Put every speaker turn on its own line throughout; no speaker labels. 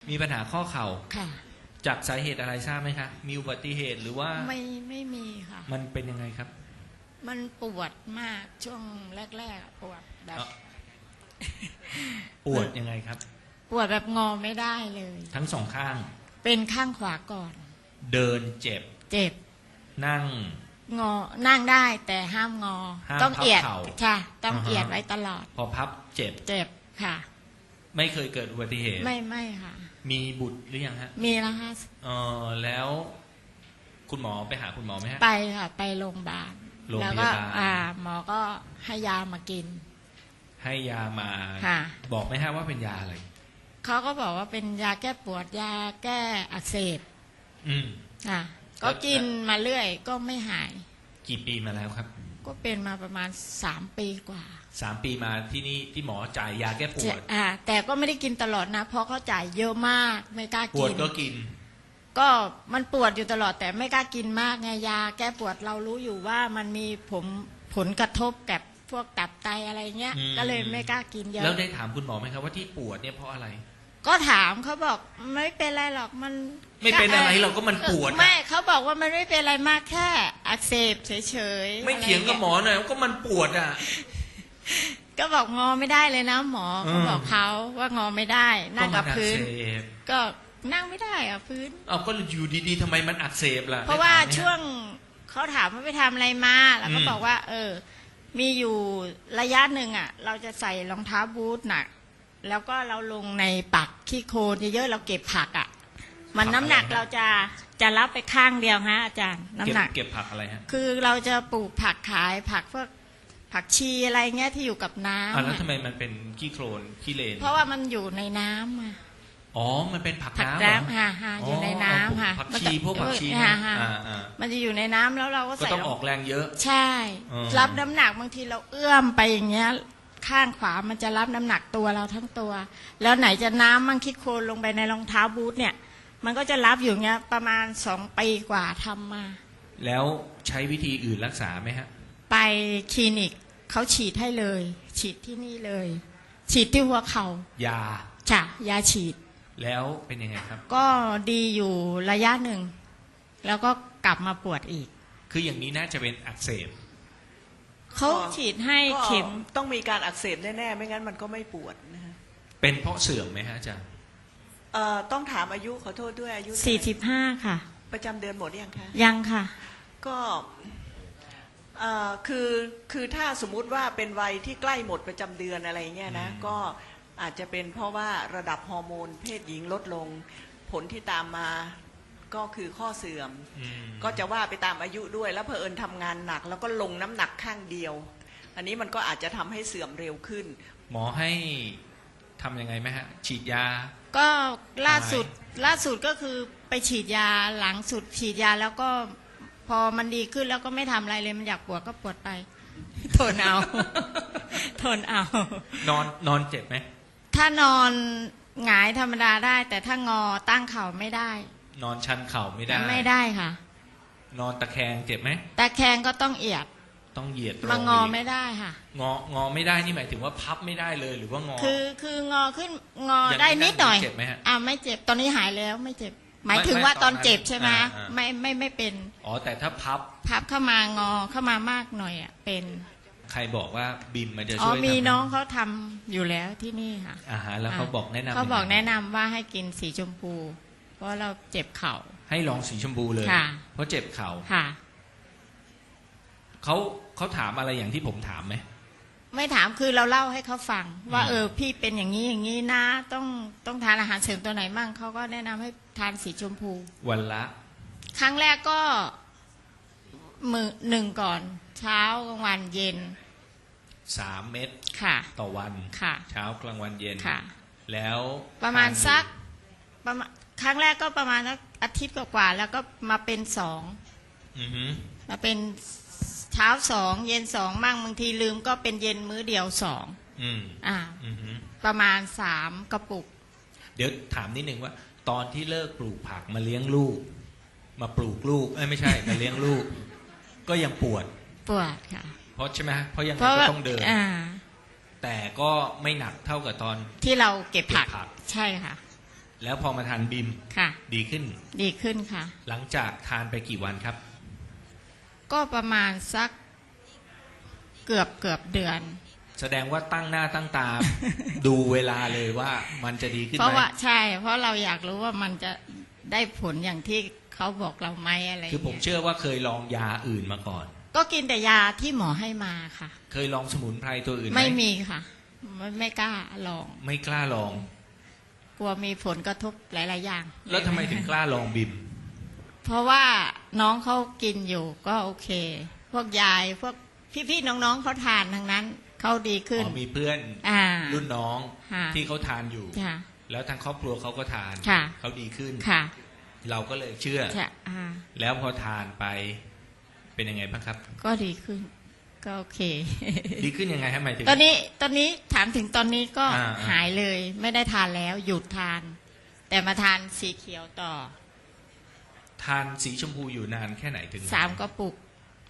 มีปัญหาข้อเข่า
ค่ะ
จากสาเหตุอะไรทราบไหมคะมีอุบัติเหตุหรือว่า
ไม่มีค่ะ
มันเป็นยังไงครับ
มันปวดมากช่วงแรกๆปวดแบบ
ปวดยังไงครับ
ปวดแบบงอไม่ได้เลย
ทั้งสองข้าง
เป็นข้างขวาก่อน
เดินเจ็บนั่ง
งอนั่งได้แต่ห้ามงอต้องเอียดค่ะต้องเอียดไว้ตลอด
พอพับเจ็บ
ค่ะ
ไม่เคยเกิดอุบัติเหตุ
ไม่ค่ะ
มีบุตรหรือยังฮะ
มีแล้วค่ะ
แล้วคุณหมอไปหาคุณหมอไหมฮะ
ไปค่ะไปโรงพยาบาลแล้วก็หมอก็ให้ยามากิน
ให้ยามาบอกไหมฮะว่าเป็นยาอะไร
เขาก็บอกว่าเป็นยาแก้ปวดยาแก้อักเสบก็กินมาเรื่อยก็ไม่หาย
กี่ปีมาแล้วครับ
ก็เป็นมาประมาณ3 ปีกว่า
3 ปีมาที่นี่ที่หมอจ่ายยาแก้ปวด
แต่ก็ไม่ได้กินตลอดนะเพราะเขาจ่ายเยอะมากไม่กล้ากิน
ปวดก็กิน
ก็มันปวดอยู่ตลอดแต่ไม่กล้ากินมากไงยาแก้ปวดเรารู้อยู่ว่ามันมีผลกระทบกับพวกตับไตอะไรเงี้ยก็เลยไม่กล้ากินเยอะ
แล้วได้ถามคุณหมอไหมครับว่าที่ปวดเนี่ยเพราะอะไร
ก็ถามเขาบอกไม่เป็นไรหรอกมัน
ไม่เป็นอะไรหรอกก็มันปวด
ไม่เขาบอกว่ามันไม่เป็นอะไรมากแค่อักเสบเฉยๆ
ไม่เถียงกับหมอหน่อยก็มันปวดอ่ะ
ก็บอกงอไม่ได้เลยนะหมอเขาบอกเขาว่างอไม่ได้นั่งกับพื้นก็นั่งไม่ได้อ่ะพื้น
ก็อยู่ดีๆทำไมมันอักเสบล่ะ
เพราะว่าช่วงเขาถามว่าไปทำอะไรมาแล้วก็บอกว่ามีอยู่ระยะหนึ่งอ่ะเราจะใส่รองเท้าบูทหนักแล้วก็เราลงในปักขี้โคลนเยอะๆเราเก็บผักอ่ะมันน้ำหนักเราจะรับไปข้างเดียวฮะอาจารย์น้ำหนัก
เก็บผักอะไรฮะ
คือเราจะปลูกผักขายผักพวกผักชีอะไรเงี้ยที่อยู่กับน้ำ
แล้วทำไมมันเป็นขี้โคลนขี้เลน
เพราะว่ามันอยู่ในน้ำ
มันเป็นผักน้
ำค่ะอยู่ในน้ำค่ะ
ผักชีพวกผักชี
มันจะอยู่ในน้ำแล้วเราก็ใส่
ต้องออกแรงเยอะ
ใช่รับน้ำหนักบางทีเราเอื้อมไปอย่างเงี้ยข้างขวามันจะรับน้ำหนักตัวเราทั้งตัวแล้วไหนจะน้ำมันคิดโคลนลงไปในรองเท้าบูทเนี่ยมันก็จะรับอยู่เงี้ยประมาณ2 ปีกว่าทำมา
แล้วใช้วิธีอื่นรักษาไหมฮะ
ไปคลินิกเขาฉีดให้เลยฉีดที่นี่เลยฉีดที่หัวเข่ายาฉีด
แล้วเป็นยังไงครับ
ก็ดีอยู่ระยะหนึ่งแล้วก็กลับมาปวดอีก
คืออย่างนี้น่าจะเป็นอักเสบ
เขาฉีดให้เข็ม
ต้องมีการอักเสบแน่ๆไม่งั้นมันก็ไม่ปวดนะฮะ
เป็นเพราะเสื่อมไหมฮะอาจารย์
ต้องถามอายุขอโทษด้วยอายุ
45ค่ะ
ประจำเดือนหมดยังคะ
ยังค่ะ
ก็คือถ้าสมมุติว่าเป็นวัยที่ใกล้หมดประจำเดือนอะไรเงี้ยนะก็อาจจะเป็นเพราะว่าระดับฮอร์โมนเพศหญิงลดลงผลที่ตามมาก็คือข้อเสื่อมก็จะว่าไปตามอายุด้วยแล้วเผอิญทำงานหนักแล้วก็ลงน้ำหนักข้างเดียวอันนี้มันก็อาจจะทำให้เสื่อมเร็วขึ้น
หมอให้ทำยังไงไหมฮะฉีดยา
ก็ล่าสุดก็คือไปฉีดยาหลังสุดฉีดยาแล้วก็พอมันดีขึ้นแล้วก็ไม่ทำอะไรเลยมันอยากปวดก็ปวดไปทนเอา
นอนเจ็บไหม
ถ้านอนหงายธรรมดาได้แต่ถ้างอตั้งเข่าไม่ได้
นอนชันเข่าไม่
ได้ค่ะ
นอนตะแคงเจ็บไหม
ตะแคงก็ต้องเหยียด
ต้องเหยียด
มางอไม่ได้ค่ะ
งอไม่ได้นี่หมายถึงว่าพับไม่ได้เลยหรือว่างอ
คืองอขึ้นงอได้นิดหน่อย
เจ็บไหมฮะ
ไม่เจ็บตอนนี้หายแล้วไม่เจ็บหมายถึงว่าตอนเจ็บใช่ไหมไม่เป็น
แต่ถ้าพับ
เข้ามางอเข้ามามากหน่อยเป็น
ใครบอกว่าบิมมันจะช่วย
มีน้องเขาทำอยู่แล้วที่นี่ค่ะ
แล้วเขาบอกแนะ
นำว่าให้กินสีชมพูเพราะเราเจ็บเข่า
ให้ลองสีชมพูเลยเพราะเจ็บเข่า
ค่ะ
เขาถามอะไรอย่างที่ผมถามไหม
ไม่ถามคือเราเล่าให้เขาฟังว่าพี่เป็นอย่างนี้นะต้องทานอาหารเสริมตัวไหนมั่งเขาก็แนะนำให้ทานสีชมพู
วันละ
ครั้งแรกก็1 ก่อนเช้ากลางวันเย็น
3 เม็ดต่อวันเช้ากลางวันเย็นแล้ว
ประมาณสักครั้งแรกก็ประมาณอาทิตย์กว่าแล้วก็มาเป็น2มาเป็นเช้า2เย็น2มั่งบางทีลืมก็เป็นเย็นมื้อเดียว2ประมาณ3 กระปุก
เดี๋ยวถามนิดนึงว่าตอนที่เลิกปลูกผักมาเลี้ยงลูกมาปลูกลูกไม่ใช่มาเลี้ยงลูกก็ยังปวด
ค่ะ
เพราะใช่ไหมเพราะยังไงก็ต้องเดินแต่ก็ไม่หนักเท่ากับตอน
ที่เราเก็บผักใช่ค่ะ
แล้วพอมาทานบิม
ค่ะ
ดีขึ้น
ดีขึ้นค่ะ
หลังจากทานไปกี่วันครับ
ก็ประมาณสักเกือบเดือน
แสดงว่าตั้งหน้าตั้งตา ดูเวลาเลยว่ามันจะดีขึ้น
เพราะ
ไหม
ว่าใช่ เพราะเราอยากรู้ว่ามันจะได้ผลอย่างที่เขาบอกเราไหมอะไร
คือผม
เงี้ย
เชื่อว่าเคยลองยาอื่นมาก่อน
ก็กินแต่ยาที่หมอให้มาค่ะ
เคยลองสมุนไพรตัวอื่นไหม
ไม่มีค่ะ ไม่กล้าลอง
ไม่กล้าลอง
กลัวมีผลกระทบหลาย ๆ อย่าง
แล้วทำไมถึงกล้าลองบิม
เพราะว่าน้องเขากินอยู่ก็โอเค พวกยายพวกพี่ ๆ น้อง ๆเขาทานทั้งนั้นเขาดีขึ้น
มีเพื่อน
อ่า
รุ่นน้อง
ค่ะ
ที่เขาทานอยู่
ค่ะ
แล้วทางครอบครัวเขาก็ทาน
ค่ะ
เขาดีขึ้น
ค่ะ
เราก็เลยเชื่อ
ใช่อ่า
แล้วพอทานไปเป็นยังไงบ้างครับ
ก็ดีขึ้น ก็โอเค
ดีขึ้นยังไงฮะหมายถึง
ตอนนี้ถามถึงตอนนี้ก็
อ่า
หายเลย ไม่ได้ทานแล้ว หยุดทาน แต่มาทานสีเขียวต่อ
ทานสีชมพูอยู่นานแค่ไหนถึง
3 กระปุก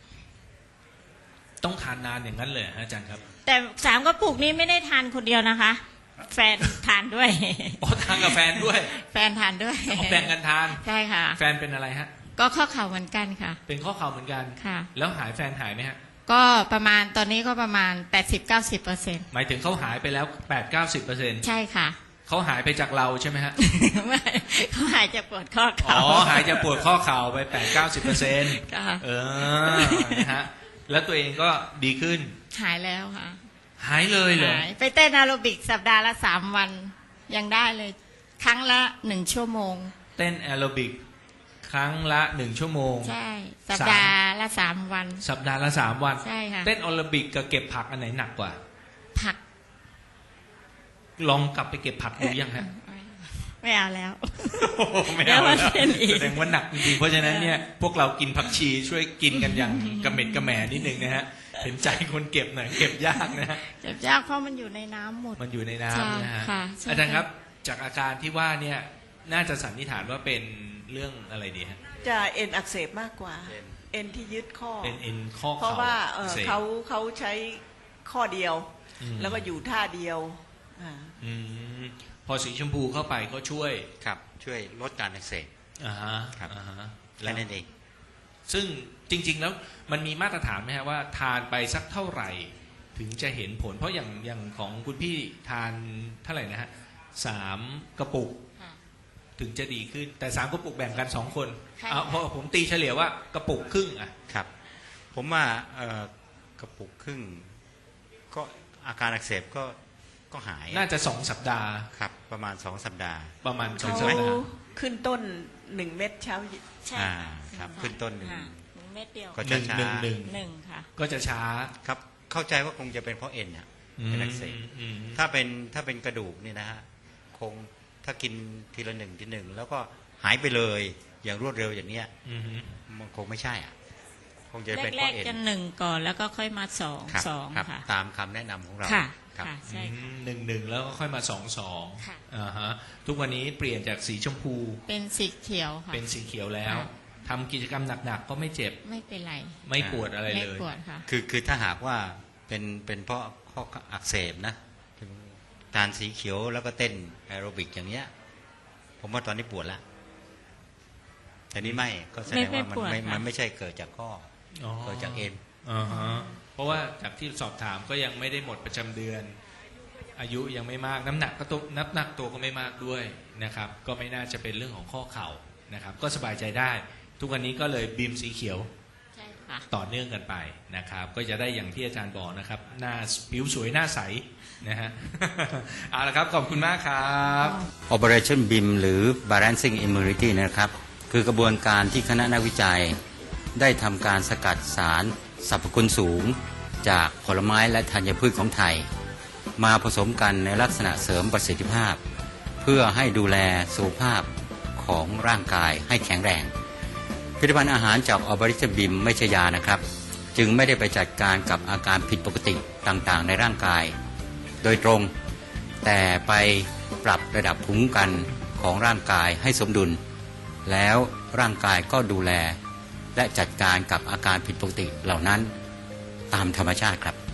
ต้องทานนานอย่างนั้นเลยฮะอาจารย์ครับ
แต่3 กระปุกนี้ไม่ได้ทานคนเดียวนะคะ แฟนทานด้วย
อ๋อทานกับแฟนด้วย
แฟนทานด้วย
เอาแบ่งกันทาน
ใช่ค่ะ
แฟนเป็นอะไรฮะ
ก็ข้อเข่าเหมือนกันค่ะ
เป็นข้อเข่าเหมือนกัน
ค่ะ
แล้วหายแฟนหายไหมฮะ
ก็ประมาณตอนนี้ก็ประมาณ 80-90%
หมายถึงเขาหายไปแล้ว 8-90%
ใช่ค่ะ
เขาหายไปจากเราใช่ไหมฮะ
ไม่เขาหายจากปวดข้อ
อ๋
เข่า
อ หายจากปวดข้อเข่าไป 8-90%
ค่ะ
นะฮะ แล้วตัวเองก็ดีขึ้น
หายแล้วค่ะ
หายเลยเหรอ
หายไปเต้นแอโรบิกสัปดาห์ละ3 วันยังได้เลย ครั้งละ1 ชั่วโมง
เต้นแอโรบิกครั้งละ1 ชั่วโมง
ใช่ สัปดาห์ละ3 วัน
สัปดาห์ละ3 วัน
ใช่ค่ะ
เต้นแอโรบิกกับเก็บผักอันไหนหนักกว่า
ผัก
ลองกลับไปเก็บผักดูยังฮะ
ไม่เอาแล้ว
ไม่เอา
เดี๋ยวมา
แล้ว
เต้นอีก
แสดงว่าหนักจริงๆเพราะฉะนั้นเนี่ยพวกเรากินผักชีช่วยกินกันอย่างกระเม็ดกระแหม่นิดนึงนะฮะเห็นใจคนเก็บหน่อยเก็บยากนะฮะ
เจ็บยากเพราะมันอยู่ในน้ำหมด
มันอยู่ในน้ำนะฮะ
ค่ะใช่
อาจารย์ครับจากอาการที่ว่าเนี่ยน่าจะสันนิษฐานว่าเป็นเรื่องอะไรดีฮะ
จะเอ็นอักเสบมากกว่า เอ็นที่ยึดข้อ
เป็นเอ็นข้อ
เพราะ
เข่า
ว่า
อักเสบ
เขาใช้ข้อเดียว
อืม
แล้วก็อยู่ท่าเดียวอ่า
อืมพอสีชมพูเข้าไปก็ช่วย
ครับช่วยลดการอักเสบ
อ่าฮะ
ครับ
อ่าฮะ
และนั่นเอง
ซึ่งจริง ๆ แล้วมันมีมาตรฐานไหมฮะว่าทานไปสักเท่าไหร่ ถึงจะเห็นผล เพราะอย่างของคุณพี่ทานเท่าไหร่นะฮะ3 กระปุก
ค่ะ
ถึงจะดีขึ้น แต่3 กระปุกแบ่งกัน2 คน
ใช่
เอาพอผมตีเฉลี่ยว่ากระปุกครึ่งอ่ะ
ครับ ผมว่ากระปุกครึ่ง ก็อาการอักเสบก็หาย
น่าจะ2 สัปดาห์
ครับประมาณ2 สัปดาห์
ประมาณ
เขา
2 สัปดาห์
ขึ้นต้น1 เม็ดเช้า
ใช่
อ่า
ค่ะ
ครับขึ้นต้นหนึ่ง
ค่ะเม็ดเดียว
ก็
ห
จะ
นึ่ง
ช้า
หนึ่งหนึ่ง
1 ค่ะ
ก็จะช้า
ครับเข้าใจว่าคงจะเป็นเพราะเอ็นอะเป็นอักเสบ
อืม
ถ้าเป็นกระดูกนี่นะฮะคงถ้ากินทีละ1 ที 1แล้วก็หายไปเลยอย่างรวดเร็วอย่างเนี้ย
อืม
มันคงไม่ใช่อ่ะคงจะเป็นเพ
แร
ราะ
ก
เอ็น
ๆจะ1 ก่อนแล้วก็ค่อยมา2
ครับ
2
ครับ
ค่ะ
ตามคำแนะนำของเรา
ค่ะ
ครับ
ค่ะใช่ค่ะ
1 แล้วก็ค่อยมา2
ค่ะ
อ่าฮะทุกวันนี้เปลี่ยนจากสีชมพู
เป็นสีเขียวค่ะ
เป็นสีเขียวแล้ว
ค่ะ
ทำกิจกรรมหนักๆก็ไม่เจ็บ
ไม่เป็นไร
ไม่ปวดอะไร
ไม่
เลย
ปวดค่ะ
คือถ้าหากว่าเป็นเพราะข้ออักเสบนะทานสีเขียวแล้วก็เต้นแอโรบิกอย่างเนี้ย ผมว่าตอนนี้ปวดละแต่นี้ไม่ก็แสดงว่า
ไม่ปวดค่ะ
มันไม่ใช่เกิดจากข้ออ
อ
เกิดจากเอ็น
อ่าฮะเพราะว่าจากที่สอบถามก็ยังไม่ได้หมดประจำเดือน อายุยังไม่มากน้ำหนักตัวก็ไม่มากด้วยนะครับ ก็ไม่น่าจะเป็นเรื่องของข้อเข่านะครับ ก็สบายใจได้ ทุกวันนี้ก็เลยบีมสีเขียว
ใช่ค่ะ
ต่อเนื่องกันไปนะครับ ก็จะได้อย่างที่อาจารย์บอกนะครับ หน้าผิวสวยหน้าใสนะฮะ เอาละครับขอบคุณมากครับ
Operation BIM หรือ Balancing Immunity นะครับ คือกระบวนการที่คณะนักวิจัย ได้ทำการสกัดสารสรรพคุณสูง จากผลไม้และธัญพืชของไทย มาผสมกันในลักษณะเสริมประสิทธิภาพ เพื่อให้ดูแลสุขภาพของร่างกายให้แข็งแรง ผลิตภัณฑ์อาหารจาก Operation BIM ไม่ใช่ยานะครับ จึงไม่ได้ไปจัดการกับอาการผิดปกติต่างๆ ในร่างกาย โดยตรง แต่ไปปรับระดับภูมิคุ้มกันของร่างกายให้สมดุล แล้วร่างกายก็ดูแล และจัดการกับอาการผิดปกติเหล่านั้นตามธรรมชาติครับ